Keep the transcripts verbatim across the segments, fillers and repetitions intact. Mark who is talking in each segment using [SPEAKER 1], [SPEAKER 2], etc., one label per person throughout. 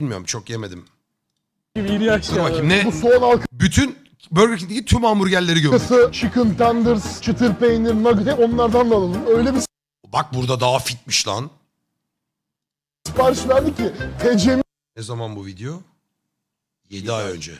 [SPEAKER 1] Bilmiyorum, çok yemedim.
[SPEAKER 2] Dur
[SPEAKER 1] bakayım ne?
[SPEAKER 3] Bu soğan
[SPEAKER 1] Bütün Burger King'deki tüm hamburgerleri gömdük.
[SPEAKER 3] halkası, chicken tenders, çıtır peynir, nugget onlardan da alalım. Öyle bir
[SPEAKER 1] Bak burada daha fitmiş lan.
[SPEAKER 3] sipariş verdi ki T C'miz
[SPEAKER 1] Ne zaman bu video? yedi ay önce.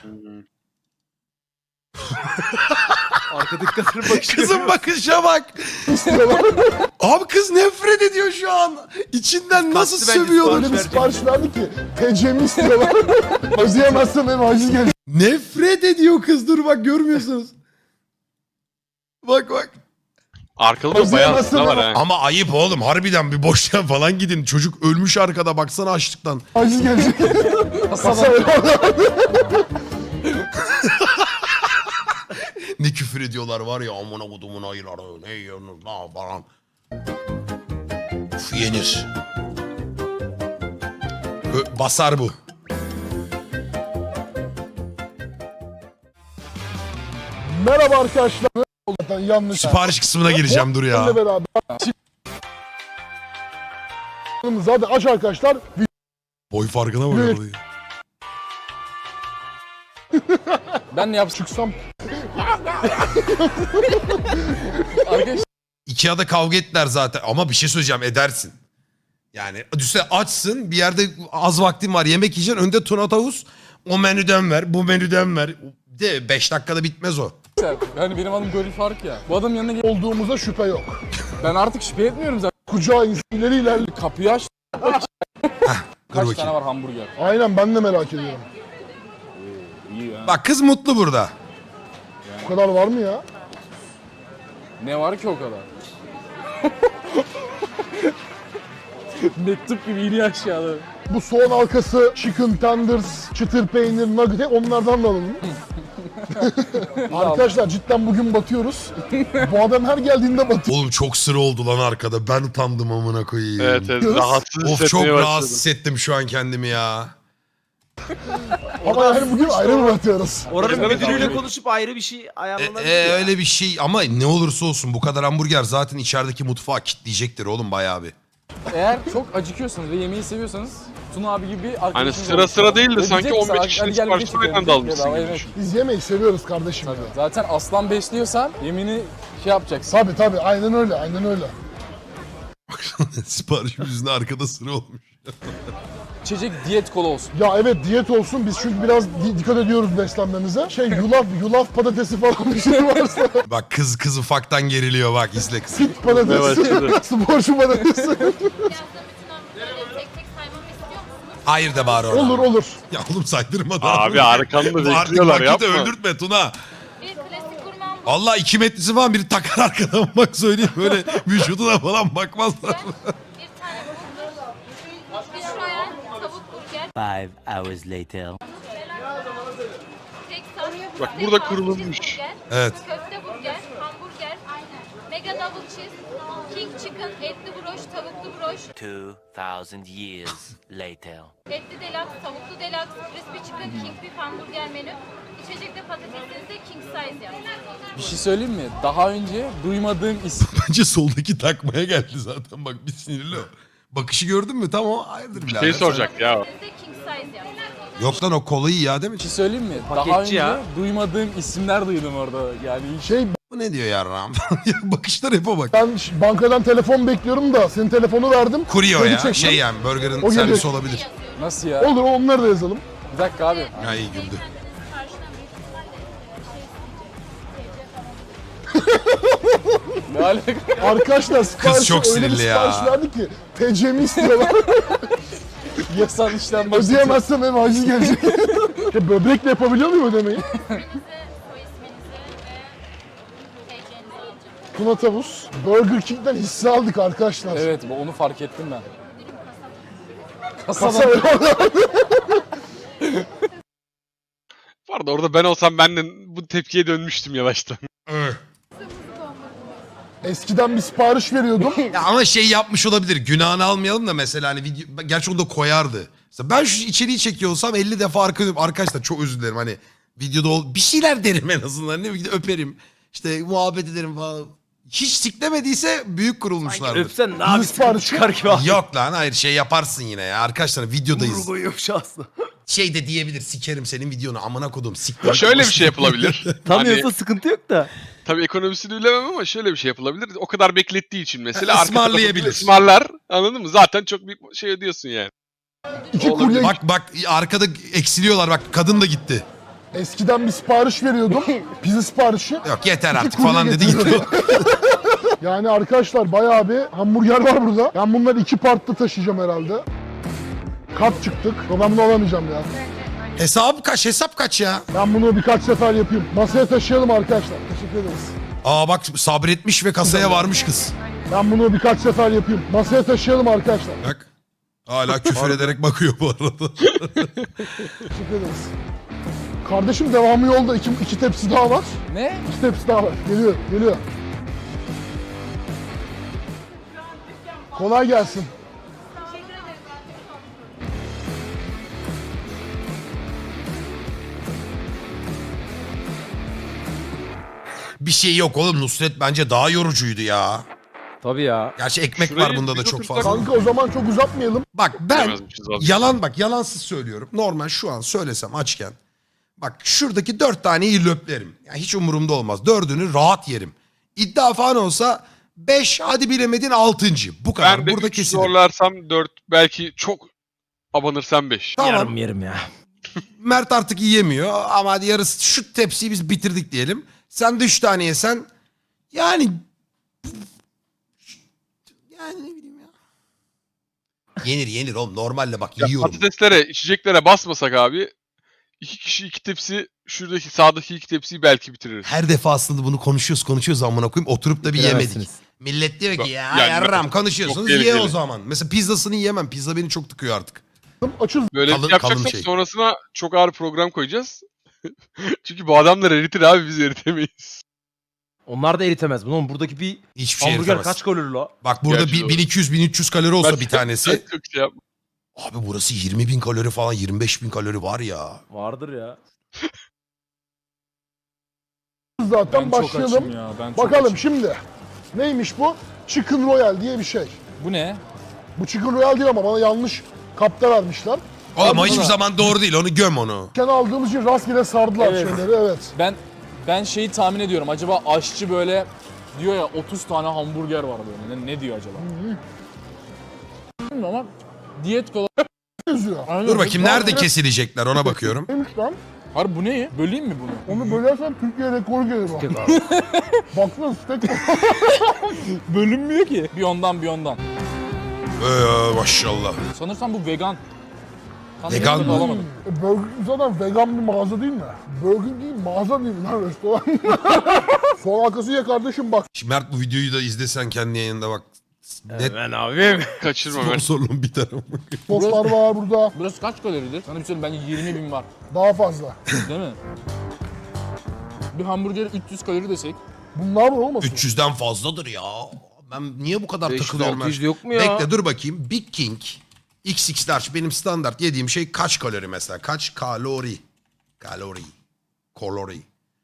[SPEAKER 2] Arkadaki kadının bakışı.
[SPEAKER 1] Kızın bakışa bak. Abi kız nefret ediyor şu an. İçinden nasıl
[SPEAKER 2] Kalktı bence
[SPEAKER 1] sövüyor.
[SPEAKER 3] öyle bir sipariş verdi ki T C'mi istiyorlar. Özleyemezsem eve haciz gelecek.
[SPEAKER 1] Nefret ediyor kız, dur bak görmüyorsunuz. Bak bak.
[SPEAKER 4] Arkada da bayağı aslında var ha.
[SPEAKER 1] Ama ayıp oğlum, harbiden bir boşluğa falan gidin. Çocuk ölmüş arkada, baksana açlıktan.
[SPEAKER 3] Haciz gelecek.
[SPEAKER 1] Ne küfür ediyorlar var ya, amına kodumun ayıları, ne yiyorsunuz lan falan. Uf, yenir. Ö- basar bu.
[SPEAKER 3] Merhaba arkadaşlar. Zaten yanlış.
[SPEAKER 1] Sipariş kısmına gireceğim, dur ya.
[SPEAKER 3] Benimle beraber. Zaten aç arkadaşlar.
[SPEAKER 1] Boy farkına bak.
[SPEAKER 3] Evet.
[SPEAKER 1] orayı.
[SPEAKER 2] Ben ne yapsam?
[SPEAKER 3] Çıksam
[SPEAKER 2] Arkadaşlar
[SPEAKER 1] Ikea'da kavga ettiler zaten, ama bir şey söyleyeceğim, edersin. Yani düşünsene, açsın bir yerde, az vaktin var, yemek yiyeceksin, önde tuna tavus, o menüden ver, bu menüden ver. De beş dakikada bitmez o.
[SPEAKER 2] hani benim adım Gönül Faruk ya. Bu adamın yanına gel.
[SPEAKER 3] olduğumuza şüphe yok.
[SPEAKER 2] Ben artık şüphe etmiyorum zaten.
[SPEAKER 3] Kucağı insan ileri ilerli.
[SPEAKER 2] Kapıyı aç.
[SPEAKER 1] Dur
[SPEAKER 2] Kaç tane
[SPEAKER 1] bakayım.
[SPEAKER 2] var hamburger?
[SPEAKER 3] Aynen, ben de merak ediyorum.
[SPEAKER 2] İyi ya.
[SPEAKER 1] Bak kız mutlu burada.
[SPEAKER 3] Bu kadar var mı ya?
[SPEAKER 2] Ne var ki o kadar? Mektup gibi iniyor aşağıda.
[SPEAKER 3] Bu soğan halkası, chicken tenders, çıtır peynir, nugget onlardan da alalım. Arkadaşlar cidden bugün batıyoruz. Bu adam her geldiğinde batıyor.
[SPEAKER 1] Oğlum çok sıra oldu lan arkada, ben utandım amına koyayım.
[SPEAKER 4] Evet evet rahatsız
[SPEAKER 1] Of, çok
[SPEAKER 4] hissetmeye başladım.
[SPEAKER 1] rahatsız hissettim şu an kendimi ya.
[SPEAKER 3] Ama yani bugün ayrı mı batıyoruz?
[SPEAKER 5] Oranın
[SPEAKER 4] Evet,
[SPEAKER 5] müdürüyle
[SPEAKER 4] evet.
[SPEAKER 5] konuşup ayrı bir şey
[SPEAKER 1] E,
[SPEAKER 5] ayarlanabilir
[SPEAKER 1] e,
[SPEAKER 5] ya.
[SPEAKER 1] öyle bir şey, ama ne olursa olsun bu kadar hamburger zaten içerideki mutfağı kitleyecektir oğlum bayağı bir.
[SPEAKER 2] Eğer çok acıkıyorsanız ve yemeği seviyorsanız Tuna abi gibi bir arkadaşınız
[SPEAKER 4] Hani sıra
[SPEAKER 2] olursa-
[SPEAKER 4] sıra değil de
[SPEAKER 2] Ve
[SPEAKER 4] sanki
[SPEAKER 2] diyecek ki
[SPEAKER 4] on beş
[SPEAKER 2] sana,
[SPEAKER 4] kişinin
[SPEAKER 2] "Hadi gel bir
[SPEAKER 4] siparişini
[SPEAKER 2] çıkalım."
[SPEAKER 4] aynı anda almışsın
[SPEAKER 2] Bedava,
[SPEAKER 4] gibi
[SPEAKER 2] evet.
[SPEAKER 4] düşün.
[SPEAKER 3] Biz yemeği seviyoruz kardeşim.
[SPEAKER 2] Tabii.
[SPEAKER 3] ya.
[SPEAKER 2] Zaten aslan besliyorsan yemini şey yapacaksın.
[SPEAKER 3] Tabii tabii, aynen öyle, aynen öyle.
[SPEAKER 1] Siparişim yüzünden arkada sıra olmuş.
[SPEAKER 2] İçecek diyet kola olsun.
[SPEAKER 3] Ya evet, diyet olsun, biz çünkü biraz di- dikkat ediyoruz beslenmemize. Şey, yulaf, yulaf patatesi falan bir şey varsa.
[SPEAKER 1] Bak kız kız ufaktan geriliyor, bak izle kız.
[SPEAKER 3] Fit patatesi, sporcu patatesi.
[SPEAKER 6] Yazda bütün hamburgerleri tek tek saymamı istiyor musunuz?
[SPEAKER 1] Hayır de bari orada.
[SPEAKER 3] olur olur.
[SPEAKER 1] Ya oğlum saydırma da.
[SPEAKER 4] Abi arkanda
[SPEAKER 1] Artık
[SPEAKER 4] bekliyorlar
[SPEAKER 1] vakiti
[SPEAKER 4] yapma.
[SPEAKER 1] öldürtme Tuna.
[SPEAKER 6] Bir klasik gurme hamburger,
[SPEAKER 1] Allah iki metresi falan biri takar arkadan, bak söyleyeyim, böyle vücuduna falan bakmazlar.
[SPEAKER 6] bir tane burger, bir şoyan, tavuk burger,
[SPEAKER 7] Five hours later.
[SPEAKER 6] tek sos,
[SPEAKER 4] Bak
[SPEAKER 6] bir
[SPEAKER 4] burada
[SPEAKER 6] pound
[SPEAKER 4] kurulmuş.
[SPEAKER 6] cheeseburger,
[SPEAKER 1] Evet.
[SPEAKER 6] köfte burger, hamburger, mega double cheese, king chicken, etli broş, tavuklu broş,
[SPEAKER 7] Two thousand years later.
[SPEAKER 6] etli deluxe, tavuklu deluxe, crispy chicken, king beef hamburger menü. İçecekte patatesinizi king size yapın.
[SPEAKER 2] Bir şey söyleyeyim mi? Daha önce duymadığım isim.
[SPEAKER 1] Bence soldaki takmaya geldi zaten, bak bir sinirli o. Bakışı gördün mü? Tamam, hayırdır birader.
[SPEAKER 4] Şey soracak ya.
[SPEAKER 6] Patatesinizi king size yapın.
[SPEAKER 1] Yok lan, o kolayı ya değil mi?
[SPEAKER 2] Bir şey söyleyeyim mi? Daha
[SPEAKER 5] Paketçi
[SPEAKER 2] önce
[SPEAKER 5] ya.
[SPEAKER 2] duymadığım isimler duydum orada. Yani hiç
[SPEAKER 3] Şey,
[SPEAKER 1] Bu ne diyor yarram? Bakışlar hep o bak.
[SPEAKER 3] ben ş- bankadan telefon bekliyorum da senin telefonu verdim.
[SPEAKER 1] Kurye o
[SPEAKER 3] Kredi
[SPEAKER 1] ya.
[SPEAKER 3] çektim.
[SPEAKER 1] Şey yani burger'ın
[SPEAKER 3] O
[SPEAKER 1] servisi
[SPEAKER 3] gelecek.
[SPEAKER 1] olabilir.
[SPEAKER 2] nasıl ya?
[SPEAKER 3] Olur, onları da yazalım.
[SPEAKER 2] Bir dakika abi.
[SPEAKER 1] Ya iyi güldü.
[SPEAKER 2] Ne alaka?
[SPEAKER 3] Arkadaşlar sipariş
[SPEAKER 1] çok
[SPEAKER 3] öyle bir
[SPEAKER 1] sinirli ya.
[SPEAKER 3] sipariş verdi ki T C'mi istiyorlar.
[SPEAKER 2] Yasal işlem başlatıyor.
[SPEAKER 3] Ödeyemezsem eve haciz gelecek. Ya böbrekle yapabiliyor muyum ödemeyi?
[SPEAKER 6] Soy isminizi ve T C'nizi alacağım.
[SPEAKER 3] Tuna tavus. Burger King'den hisse aldık arkadaşlar.
[SPEAKER 2] Evet, bu- onu fark ettim ben.
[SPEAKER 3] Kasa
[SPEAKER 2] Kasadan
[SPEAKER 4] Bu arada orada ben olsam ben de bu tepkiye dönmüştüm yavaştan.
[SPEAKER 1] Öh.
[SPEAKER 3] Eskiden bir sipariş veriyordum.
[SPEAKER 1] Ya ama şey yapmış olabilir. Günahını almayalım da mesela hani video, gerçi onu da koyardı. Mesela ben şu içeriği çekiyor olsam elli defa arka dönüp, arkadaşlar çok özür dilerim, hani videoda ol, bir şeyler derim en azından, ne bileyim öperim. İşte muhabbet ederim falan. Hiç siklemediyse büyük kurulmuşlardır.
[SPEAKER 5] Öpsen ne abi
[SPEAKER 3] siparişi-
[SPEAKER 5] çıkar gibi abi.
[SPEAKER 1] Yok lan hayır şey yaparsın yine ya. Arkadaşlar videodayız.
[SPEAKER 5] Vurgu yumuşasın.
[SPEAKER 1] Şey de diyebilir sikerim senin videonu amına kodum siktir.
[SPEAKER 4] Şöyle bir şey yapılabilir.
[SPEAKER 5] Tanıyorsa
[SPEAKER 4] Hani,
[SPEAKER 5] sıkıntı yok da.
[SPEAKER 4] tabii ekonomisini bilemem ama şöyle bir şey yapılabilir. O kadar beklettiği için mesela
[SPEAKER 1] Ha,
[SPEAKER 4] arka tarafı
[SPEAKER 1] ısmarlayabilir.
[SPEAKER 4] ısmarlar. Anladın mı? Zaten çok büyük şey ödüyorsun yani.
[SPEAKER 3] İki
[SPEAKER 4] Olabilir.
[SPEAKER 3] kurye
[SPEAKER 1] Bak bak arkada eksiliyorlar bak kadın da gitti.
[SPEAKER 3] eskiden bir sipariş veriyordum. Pizza siparişi.
[SPEAKER 1] Yok yeter
[SPEAKER 3] İki
[SPEAKER 1] artık
[SPEAKER 3] kurye
[SPEAKER 1] falan dedi gitti.
[SPEAKER 3] getiriyordu. Yani arkadaşlar bayağı bir hamburger var burada. Ben bunları iki partta taşıyacağım herhalde. Kat çıktık. Ama ben bunu alamayacağım ya.
[SPEAKER 1] Hesap kaç hesap kaç ya?
[SPEAKER 3] Ben bunu birkaç sefer yapayım. Masaya taşıyalım arkadaşlar. Teşekkür ederiz.
[SPEAKER 1] Aa bak sabretmiş ve kasaya varmış kız.
[SPEAKER 3] Ben bunu birkaç sefer yapayım. Masaya taşıyalım arkadaşlar.
[SPEAKER 1] Bak. Hala küfür ederek bakıyor bu arada.
[SPEAKER 3] Teşekkür ederiz. Kardeşim devamı yolda. İki, iki tepsi daha var.
[SPEAKER 2] Ne?
[SPEAKER 3] İki tepsi daha var. Geliyor, geliyor. Kolay gelsin.
[SPEAKER 1] Bir şey yok oğlum Nusret bence daha yorucuydu ya.
[SPEAKER 5] Tabii ya.
[SPEAKER 1] Gerçi ekmek
[SPEAKER 4] Şurayı
[SPEAKER 1] var bunda da
[SPEAKER 4] biz
[SPEAKER 1] çok
[SPEAKER 4] otursak-
[SPEAKER 1] fazla.
[SPEAKER 3] Kanka o zaman çok uzatmayalım.
[SPEAKER 1] Bak ben
[SPEAKER 4] Bilemezmişiz abi.
[SPEAKER 1] yalan bak yalansız söylüyorum. Normal şu an söylesem açken. Bak şuradaki dört taneyi löplerim. Yani hiç umurumda olmaz. Dördünü rahat yerim. İddia falan olsa beş hadi bilemedin altıncı. Bu kadar.
[SPEAKER 4] Ben de
[SPEAKER 1] Burada
[SPEAKER 4] üç
[SPEAKER 1] kesilir.
[SPEAKER 4] zorlarsam dört belki çok abanırsam beş.
[SPEAKER 1] Tamam.
[SPEAKER 5] Yarım yerim ya.
[SPEAKER 1] Mert artık yiyemiyor ama hadi yarısı şu tepsiyi biz bitirdik diyelim. Sen de üç tane yesen yani yani ne bileyim ya. Yenir yenir oğlum normalde bak
[SPEAKER 4] Ya
[SPEAKER 1] yiyorum.
[SPEAKER 4] patateslere, içeceklere basmasak abi iki kişi iki tepsi şuradaki sağdaki iki tepsiyi belki bitiririz.
[SPEAKER 1] Her defasında bunu konuşuyoruz konuşuyoruz amına koyayım oturup da bir yemedik.
[SPEAKER 5] Bilemezsiniz.
[SPEAKER 1] Millet diyor ki ya
[SPEAKER 4] Yani
[SPEAKER 1] yarram
[SPEAKER 4] çok
[SPEAKER 1] konuşuyorsunuz ye
[SPEAKER 4] tehlikeli.
[SPEAKER 1] o zaman. Mesela pizzasını yiyemem. Pizza beni çok tıkıyor artık.
[SPEAKER 3] Açız.
[SPEAKER 4] Böyle
[SPEAKER 1] Kalın-
[SPEAKER 4] yapacaksak
[SPEAKER 1] kalın şey.
[SPEAKER 4] sonrasına çok ağır program koyacağız. Çünkü bu adamlar eritir abi biz eritemeyiz.
[SPEAKER 5] Onlar da eritemez bunu. Oğlum buradaki bir
[SPEAKER 1] Hiçbir şey
[SPEAKER 5] hamburger
[SPEAKER 1] eritemez.
[SPEAKER 5] kaç kalori la?
[SPEAKER 1] Bak burada
[SPEAKER 4] Gerçi
[SPEAKER 1] bir-
[SPEAKER 4] doğru.
[SPEAKER 1] bin iki yüz bin üç yüz kalori olsa bir tanesi.
[SPEAKER 4] Ben çok şey yapma.
[SPEAKER 1] Abi burası yirmi bin kalori falan yirmi beş bin kalori var ya.
[SPEAKER 5] Vardır ya.
[SPEAKER 3] Zaten
[SPEAKER 2] Ben çok
[SPEAKER 3] başlayalım.
[SPEAKER 2] açım ya. Ben çok
[SPEAKER 3] Bakalım
[SPEAKER 2] açım.
[SPEAKER 3] şimdi. Neymiş bu? Chicken Royal diye bir şey.
[SPEAKER 2] Bu ne?
[SPEAKER 3] Bu Chicken Royal değil ama bana yanlış kapta vermişler.
[SPEAKER 1] Oğlum o
[SPEAKER 3] Abi
[SPEAKER 1] hiçbir
[SPEAKER 3] buna-
[SPEAKER 1] zaman doğru değil onu göm onu.
[SPEAKER 3] Kendi aldığımız için rastgele sardılar
[SPEAKER 2] Evet.
[SPEAKER 3] şeyleri evet.
[SPEAKER 2] Ben ben şeyi tahmin ediyorum. Acaba aşçı böyle diyor ya otuz tane hamburger var böyle. Ne, ne diyor acaba? Bilmiyorum ama diyet kola.
[SPEAKER 3] Yazıyor.
[SPEAKER 2] Aynen.
[SPEAKER 1] Dur bakayım
[SPEAKER 3] Tamam,
[SPEAKER 1] nerede
[SPEAKER 3] evet.
[SPEAKER 1] kesilecekler ona bakıyorum.
[SPEAKER 3] Neymiş lan?
[SPEAKER 2] Harbi bu ne? Böleyim mi bunu?
[SPEAKER 3] Onu bölersen Türkiye rekoru gelir o.
[SPEAKER 5] Tek abi.
[SPEAKER 3] Baksana steak.
[SPEAKER 2] Bölünmüyor ki. Bir ondan bir ondan.
[SPEAKER 1] Ee, maşallah.
[SPEAKER 2] Sanırsam bu vegan. Tam
[SPEAKER 1] Vegan
[SPEAKER 2] emin
[SPEAKER 1] mı?
[SPEAKER 2] olamadım.
[SPEAKER 3] E, Burger King zaten vegan bir mağaza değil mi? Burger King mağaza değil mi lan restoran? Sol arkası ya kardeşim bak.
[SPEAKER 1] Şimdi Mert bu videoyu da izlesen kendi yayında bak. Net
[SPEAKER 5] Ben abim.
[SPEAKER 4] Kaçırma ben.
[SPEAKER 1] sponsorluğum biter ama.
[SPEAKER 3] Soslar var burada.
[SPEAKER 2] Burası kaç kaloridir? Sana bir söyleyeyim bence yirmi bin var.
[SPEAKER 3] Daha fazla.
[SPEAKER 2] Değil mi? Bir hamburger üç yüz kalori desek.
[SPEAKER 3] Bunlar var olmasın?
[SPEAKER 1] üç yüzden fazladır ya. Ben niye bu kadar
[SPEAKER 5] beş yüz,
[SPEAKER 1] takılıyorum?
[SPEAKER 5] altı yüz
[SPEAKER 1] her-
[SPEAKER 5] yok mu ya?
[SPEAKER 1] Bekle dur bakayım. Big King X X large benim standart yediğim şey kaç kalori mesela? Kaç kalori? Kalori. Kalori.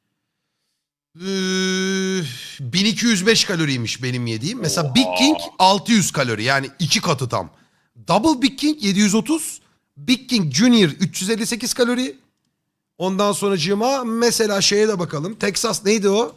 [SPEAKER 1] Ee, bin iki yüz beş kaloriymiş benim yediğim. Mesela Big King altı yüz kalori yani iki katı tam. Double Big King yedi yüz otuz. Big King Junior üç yüz elli sekiz kalori. Ondan sonracığıma mesela şeye de bakalım. Texas neydi o?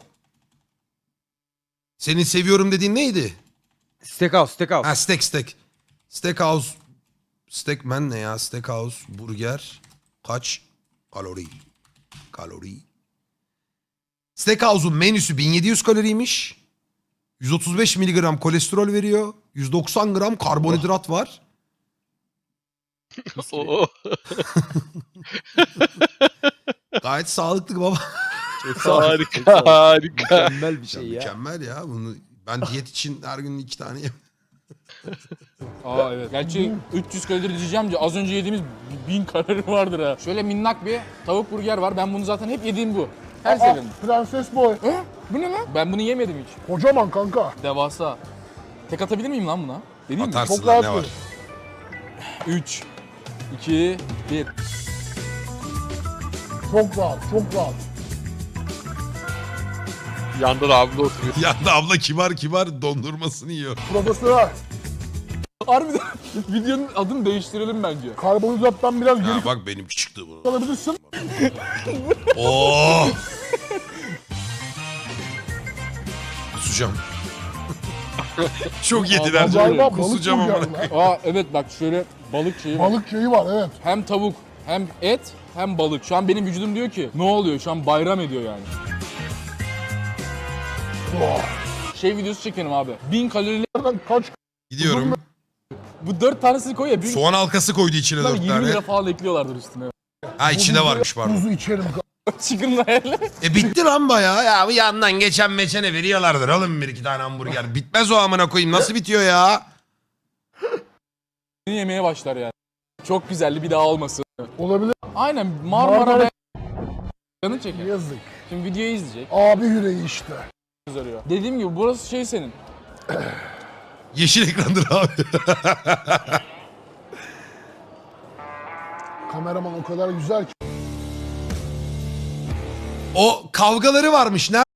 [SPEAKER 1] Senin seviyorum dediğin neydi?
[SPEAKER 5] Steakhouse, steakhouse.
[SPEAKER 1] Ha steak steak. Steakhouse. Steakman ne ya? Steakhouse burger kaç kalori? Kalori. Steakhouse'un menüsü bin yedi yüz kaloriymiş. yüz otuz beş miligram kolesterol veriyor. yüz doksan gram karbonhidrat var.
[SPEAKER 4] Oo.
[SPEAKER 1] Gayet sağlıklı baba.
[SPEAKER 4] harika harika.
[SPEAKER 5] Mükemmel bir şey ya.
[SPEAKER 1] Mükemmel ya. Bunu ben diyet için her gün iki tane yem.
[SPEAKER 2] Aa evet. Gerçi üç yüz kalori diyeceğim diye az önce yediğimiz bin kalori vardır ha. Şöyle minnak bir tavuk burger var. Ben bunu zaten hep yediğim bu. Her
[SPEAKER 3] Aa,
[SPEAKER 2] seferinde.
[SPEAKER 3] Prenses Boy.
[SPEAKER 2] He? Bu ne lan? Ben bunu yemedim hiç.
[SPEAKER 3] Kocaman kanka.
[SPEAKER 2] Devasa. Tek atabilir miyim lan buna? Deneyim mi?
[SPEAKER 1] Atarsın
[SPEAKER 3] Çok
[SPEAKER 1] lan
[SPEAKER 3] rahat
[SPEAKER 1] ne var?
[SPEAKER 3] bir.
[SPEAKER 2] üç, iki, bir.
[SPEAKER 3] Çok rahat, çok rahat.
[SPEAKER 4] Yanda da abla oturuyor.
[SPEAKER 1] Yanda abla kibar kibar dondurmasını yiyor.
[SPEAKER 3] Profesör.
[SPEAKER 2] Harbiden videonun adını değiştirelim bence.
[SPEAKER 3] Karbonhidrattan biraz geri
[SPEAKER 1] Ha, bak benim çıktı bu.
[SPEAKER 3] kalabilirsin.
[SPEAKER 1] Oo. Kusacağım. Çok yediler.
[SPEAKER 2] Aa,
[SPEAKER 3] Galiba balık
[SPEAKER 1] Kusacağım ama.
[SPEAKER 3] burger lan.
[SPEAKER 2] Aa evet bak şöyle balık şeyi var.
[SPEAKER 3] Balık şeyi var evet.
[SPEAKER 2] Hem tavuk hem et hem balık. Şu an benim vücudum diyor ki ne oluyor? Şu an bayram ediyor yani. Şey videosu çekelim abi. Bin kalorili
[SPEAKER 3] Nereden kaç
[SPEAKER 1] Gidiyorum.
[SPEAKER 2] bu dört tanesini koy ya. Bin
[SPEAKER 1] Soğan halkası koydu içine dört
[SPEAKER 2] yirmi
[SPEAKER 1] tane.
[SPEAKER 2] lira falan ekliyorlardır üstüne.
[SPEAKER 1] Ha içinde varmış pardon.
[SPEAKER 3] kuzu içerim.
[SPEAKER 2] Chicken Royale.
[SPEAKER 1] E bitti lan bayağı. Ya bu yandan geçen meçene veriyorlardır. Alın bir iki tane hamburger. Bitmez o amına koyayım. Nasıl bitiyor ya?
[SPEAKER 2] Yemeye başlar yani. Çok güzeldi bir daha olmasın.
[SPEAKER 3] Olabilir.
[SPEAKER 2] Aynen Marmara
[SPEAKER 3] Marmara-
[SPEAKER 2] ve canı çeker.
[SPEAKER 3] Yazık.
[SPEAKER 2] Şimdi videoyu izleyecek.
[SPEAKER 3] Abi yüreği işte.
[SPEAKER 2] Arıyor. Dediğim gibi burası şey senin.
[SPEAKER 1] Yeşil ekrandır abi.
[SPEAKER 3] Kameraman o kadar güzel ki.
[SPEAKER 1] O kavgaları varmış. Ne